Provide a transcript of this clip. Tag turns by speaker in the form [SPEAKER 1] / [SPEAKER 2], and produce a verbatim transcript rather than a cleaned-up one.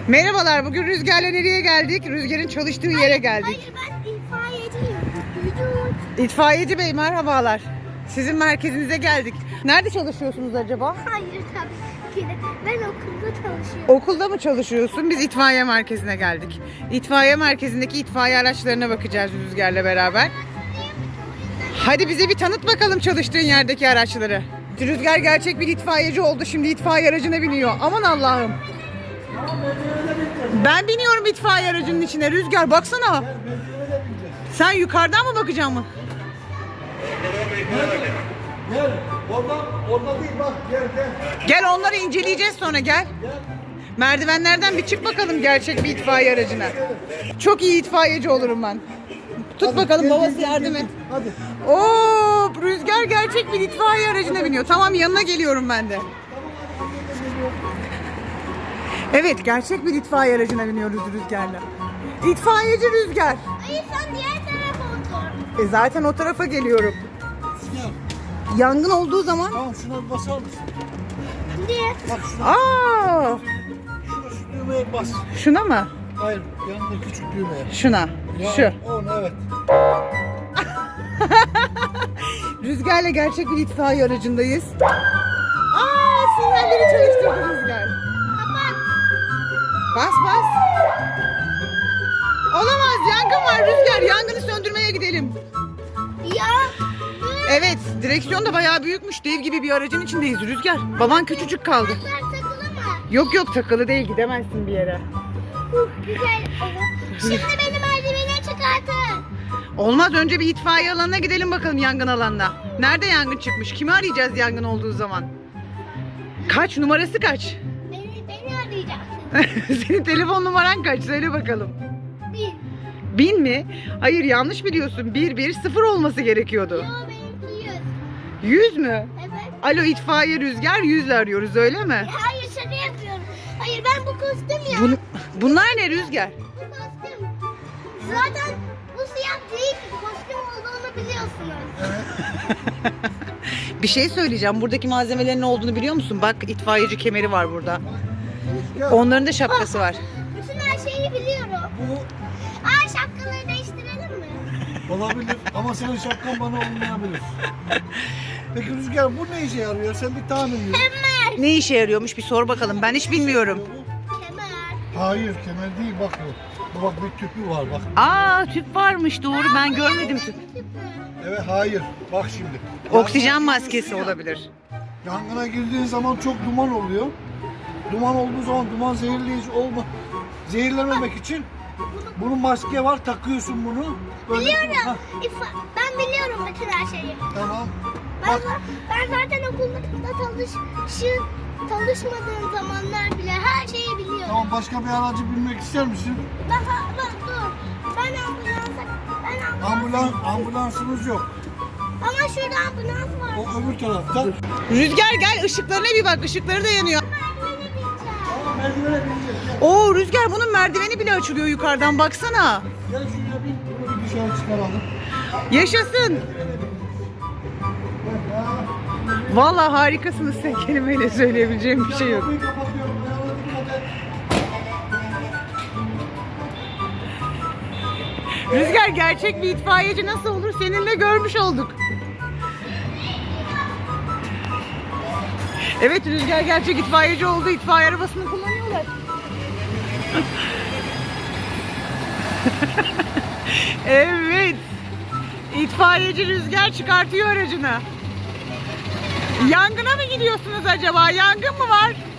[SPEAKER 1] Merhabalar, bugün Rüzgar'la nereye geldik? Rüzgar'ın çalıştığı yere geldik.
[SPEAKER 2] Hayır, ben itfaiyeciyim. Vücut.
[SPEAKER 1] İtfaiyeci Bey merhabalar. Sizin merkezinize geldik. Nerede çalışıyorsunuz acaba?
[SPEAKER 2] Hayır tabii ki de. Ben okulda çalışıyorum.
[SPEAKER 1] Okulda mı çalışıyorsun? Biz itfaiye merkezine geldik. İtfaiye merkezindeki itfaiye araçlarına bakacağız Rüzgar'la beraber. Hadi bize bir tanıt bakalım çalıştığın yerdeki araçları. Rüzgar gerçek bir itfaiyeci oldu. Şimdi itfaiye aracına biniyor. Aman Allah'ım. Ben biniyorum itfaiye aracının içine. Rüzgar baksana. Sen yukarıdan mı bakacaksın mı?
[SPEAKER 3] Gel. Oradan, orada değil bak. Gel gel.
[SPEAKER 1] Gel onları inceleyeceğiz sonra gel. Merdivenlerden bir çık bakalım gerçek bir itfaiye aracına. Çok iyi itfaiyeci olurum ben. Tut
[SPEAKER 3] Hadi,
[SPEAKER 1] bakalım
[SPEAKER 3] gel,
[SPEAKER 1] babası
[SPEAKER 3] gel, gel,
[SPEAKER 1] yardım
[SPEAKER 3] gel.
[SPEAKER 1] et.
[SPEAKER 3] Hadi.
[SPEAKER 1] Oo, Rüzgar gerçek bir itfaiye aracına biniyor. Tamam yanına geliyorum ben de. Evet gerçek bir itfaiye aracına biniyoruz Rüzgar'la. İtfaiyeci Rüzgar.
[SPEAKER 2] Hayır, sen diğer tarafa otur.
[SPEAKER 1] E zaten o tarafa geliyorum.
[SPEAKER 3] Gel.
[SPEAKER 1] Yangın olduğu zaman...
[SPEAKER 3] Tamam şuna bir basar mısın?
[SPEAKER 2] Niye?
[SPEAKER 3] Bak şuna.
[SPEAKER 1] Aa,
[SPEAKER 3] Şuna şu düğmeye bas.
[SPEAKER 1] şuna mı?
[SPEAKER 3] Hayır. Yanında küçük düğmeye.
[SPEAKER 1] Şuna.
[SPEAKER 3] Ya,
[SPEAKER 1] Şu.
[SPEAKER 3] Onu evet.
[SPEAKER 1] Rüzgar'la gerçek bir itfaiye aracındayız. Aa, sinyalleri çalıştırdı Rüzgar.
[SPEAKER 2] Kapat.
[SPEAKER 1] Bas bas. Olamaz, yangın var Rüzgar. Yangını söndürmeye gidelim.
[SPEAKER 2] Ya.
[SPEAKER 1] Evet, direksiyon da bayağı büyükmüş. Dev gibi bir aracın içindeyiz Rüzgar. Baban küçücük kaldı.
[SPEAKER 2] Bunlar takılı mı?
[SPEAKER 1] Yok yok takılı değil, gidemezsin bir yere.
[SPEAKER 2] Huh, güzel olur. Şimdi beni merdivene çıkartın.
[SPEAKER 1] Olmaz, önce bir itfaiye alanına gidelim bakalım, yangın alanına. Nerede yangın çıkmış? Kimi arayacağız yangın olduğu zaman? Kaç, numarası kaç?
[SPEAKER 2] Beni, beni arayacaksın.
[SPEAKER 1] Senin telefon numaran kaç? Söyle bakalım.
[SPEAKER 2] Bir.
[SPEAKER 1] Bin mi? Hayır, yanlış biliyorsun. Bir bir sıfır olması gerekiyordu.
[SPEAKER 2] Yo, benimki yüz.
[SPEAKER 1] Yüz mü?
[SPEAKER 2] Evet.
[SPEAKER 1] Alo itfaiye Rüzgar, yüzle arıyoruz öyle mi?
[SPEAKER 2] Hayır, şaka yapıyorum. Hayır, ben bu kostüm ya.
[SPEAKER 1] Bun- bunlar ne Rüzgar?
[SPEAKER 2] Bu kostüm. Zaten bu siyah değil, kostüm olduğunu biliyorsunuz.
[SPEAKER 1] Bir şey söyleyeceğim. Buradaki malzemelerin ne olduğunu biliyor musun? Bak, itfaiyeci kemeri var burada.
[SPEAKER 3] Gel.
[SPEAKER 1] Onların da şapkası var.
[SPEAKER 2] Bütün her şeyi biliyorum.
[SPEAKER 3] Bu
[SPEAKER 2] Aa, şapkaları değiştirelim mi?
[SPEAKER 3] olabilir ama senin şapkan bana olmayabilir. Peki Rüzgar bu ne işe yarıyor? Sen bir tahmin yürü.
[SPEAKER 2] Kemer.
[SPEAKER 1] Ne işe yarıyormuş bir sor bakalım. Ben hiç bilmiyorum.
[SPEAKER 2] Kemer.
[SPEAKER 3] Hayır kemer değil bak bu. Bu bak bir tüpü var bak.
[SPEAKER 1] Aa, tüp varmış, doğru, ben görmedim tüp.
[SPEAKER 3] Evet hayır. Bak şimdi.
[SPEAKER 1] Oksijen
[SPEAKER 3] Yangına
[SPEAKER 1] maskesi
[SPEAKER 3] giriyorsun ya,
[SPEAKER 1] olabilir.
[SPEAKER 3] Yangına girdiğin zaman çok duman oluyor. Duman olduğu zaman duman zehirleyici olma. Zehirlenmemek için bunun maske var, takıyorsun bunu. Böyle-
[SPEAKER 2] Biliyorum.
[SPEAKER 3] Hah,
[SPEAKER 2] İfa- ben biliyorum bütün her şeyi.
[SPEAKER 3] tamam.
[SPEAKER 2] Ben,
[SPEAKER 3] Bak
[SPEAKER 2] ben zaten okulda çalış, şu, çalışmadığım zamanlar bile her şeyi biliyorum.
[SPEAKER 3] tamam, başka bir aracı binmek ister misin?
[SPEAKER 2] Daha bak dur. Ben ambulansa, ben ambulans.
[SPEAKER 3] Ambulans, ambulansımız yok.
[SPEAKER 2] Ama şurada ambulans var.
[SPEAKER 3] O öbür tarafta.
[SPEAKER 1] Rüzgar gel, ışıklarına bir bak, ışıkları da yanıyor.
[SPEAKER 2] Merdivene bineceğim.
[SPEAKER 3] Tamam, merdivene bineceğiz.
[SPEAKER 1] Oo Rüzgar, bunun merdiveni bile açılıyor yukarıdan, baksana.
[SPEAKER 3] Gel, gel şuraya bin. Bunu bir dışarı çıkaralım.
[SPEAKER 1] Yaşasın. Vallahi harikasınız, tek kelimeyle söyleyebileceğim bir şey yok.
[SPEAKER 3] Kapıyı kapatıyorum. Ayağına dikkat et.
[SPEAKER 1] Rüzgar gerçek bir itfaiyeci nasıl olur seninle görmüş olduk. Evet, Rüzgar gerçek itfaiyeci oldu. İtfaiye arabasını kullanıyorlar. Evet. İtfaiyeci Rüzgar çıkartıyor aracını. Yangına mı gidiyorsunuz acaba? Yangın mı var?